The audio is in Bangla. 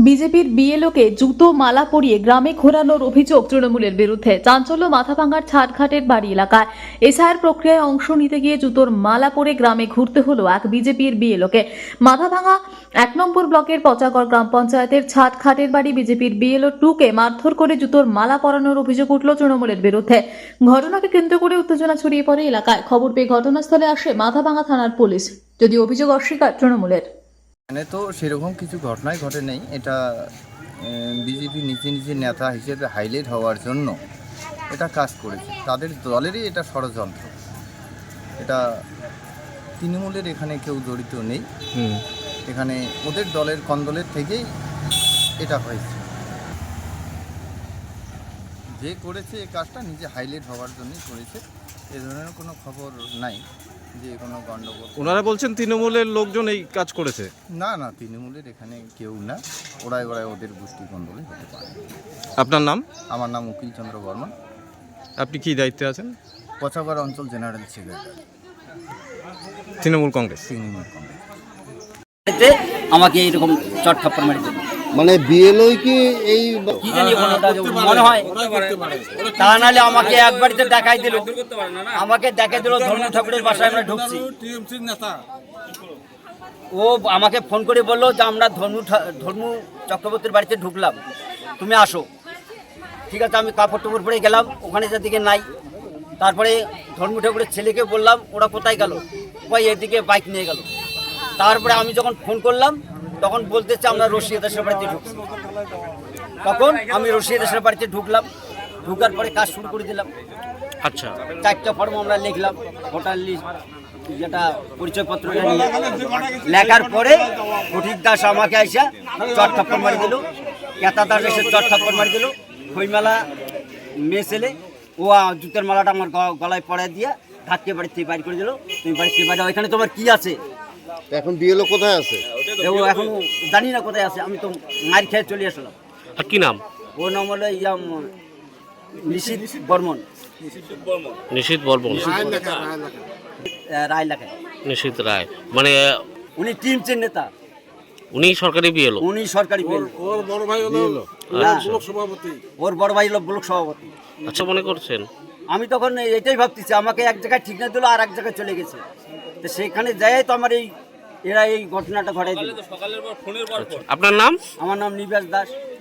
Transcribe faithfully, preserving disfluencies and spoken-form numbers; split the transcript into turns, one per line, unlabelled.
বিজেপির বিএলওকে জুতো মালা পরিয়ে গ্রামে ঘোরানোর অভিযোগ তৃণমূলের বিরুদ্ধে। চাঞ্চল্য মাথাভাঙার ছাটঘাটের বাড়ি এলাকায় এসআইআর প্রক্রিয়ায় অংশ নিতে গিয়ে জুতোর মালা পরে গ্রামে ঘুরতে হলো এক বিজেপির বিএলওকে। মাথাভাঙা এক নম্বর ব্লকের পচাগড় গ্রাম পঞ্চায়েতের ছাটঘাটের বাড়ি বিজেপির বিএলও টুকে মারধর করে জুতোর মালা পরানোর অভিযোগ উঠল তৃণমূলের বিরুদ্ধে। ঘটনাকে কেন্দ্র করে উত্তেজনা ছড়িয়ে পড়ে এলাকায়। খবর পেয়ে ঘটনাস্থলে আসে মাথাভাঙা থানার পুলিশ, যদিও অভিযোগ অস্বীকার তৃণমূলের।
এখানে তো সেরকম কিছু ঘটনাই ঘটে নেই। এটা বিজেপি নিজে নিজে নেতা হিসেবে হাইলাইট হওয়ার জন্য এটা কাজ করেছে, তাদের দলেরই এটা ষড়যন্ত্র। এটা তৃণমূলের এখানে কেউ জড়িত নেই। এখানে ওদের দলের কন্দলের থেকেই এটা হয়েছে। যে করেছে এই কাজটা নিজে হাইলাইট হওয়ার জন্যই করেছে, এ ধরনের কোনো খবর নাই যে কোনো গণ্ডগোল।
ওনারা বলছেন তৃণমূলের লোকজন এই কাজ করেছে।
না না, তৃণমূলের এখানে কেউ না, ওরাই ওরাই ওদের গোষ্ঠী কন্দলে হতে পারে।
আপনার নাম?
আমার নাম উকিল চন্দ্র বর্মন।
আপনি কি দায়িত্বে আছেন?
পচাগড় অঞ্চল জেনারেল সেক্রেটারি,
তৃণমূল কংগ্রেস।
তৃণমূল কংগ্রেস।
আমাকে এইরকম চট থাপ্পড় মারি দিল।
মানে বিএলও কি এই
কি জানি কোনটা মনে হয়, তা নাহলে আমাকে এক বাড়িতে দেখাই দিল, আমাকে দেখাই দিল ধর্ম ঠাকুরের বাসায় আমরা ঢুকছি। ও আমাকে ফোন করে বললো যে আমরা ধর্ম ধর্ম চক্রবর্তীর বাড়িতে ঢুকলাম, তুমি আসো। ঠিক আছে, আমি কাপড় টুপড় পরে গেলাম, ওখানে যেদিকে নাই। তারপরে ধর্ম ঠাকুরের ছেলেকে বললাম, ওরা কোথায় গেল? ওই এদিকে বাইক নিয়ে গেল। তারপরে আমি যখন ফোন করলাম তখন বলতেছে আমরা রশিয়া দেশের বাড়িতে ঢুকছি। তখন আমি রশিয়া দেশের বাড়িতে ঢুকলাম, ঢুকার পরে কাজ শুরু করে দিলাম।
আচ্ছা,
চারটা ফর্ম আমরা লিখলাম, ভোটার লিস্ট যেটা পরিচয়পত্র নিয়ে লেখার পরে ফটিক দাস আমাকে আইসা চট থাপ্পড় মারি দিল, কেতা দাস এসে চট থাপ্পড় মারি দিল। খইমালা মেয়ে ছেলে ও জুতের মালাটা আমার গলায় পড়ায় দিয়ে ধাক্কে বাড়ির থেকে বাইর করে দিল, তুমি বাড়ির থেকে বাইরে, ওইখানে তোমার কি আছে?
এখন বিএলও কোথায় আছে?
ও এখন জানি না কোথায় আছে, আমি তো মার খেয়ে চলে আসলাম।
আর কি নাম?
ও নাম হলো ইয়াম নিশীথ বর্মন।
নিশীথ বর্মন,
রায় লেখায়
নিশীথ রায়, মানে
উনি টিম চেন নেতা,
উনি সরকারি বিএলও।
উনি সরকারি বিএলও।
ওর বড় ভাই হলো ব্লক সভাপতি।
ওর বড় ভাই হলো ব্লক সভাপতি।
আচ্ছা, মনে করছেন?
আমি তখন এটাই ভাবতেছি, আমাকে এক জায়গায় ঠিক না দিল, আর এক জায়গায় চলে গেছে। তো সেখানে যাই তো আমার এই এরা এই ঘটনাটা ঘটাই দিল।
আপনার নাম?
আমার নাম নিবাস দাস।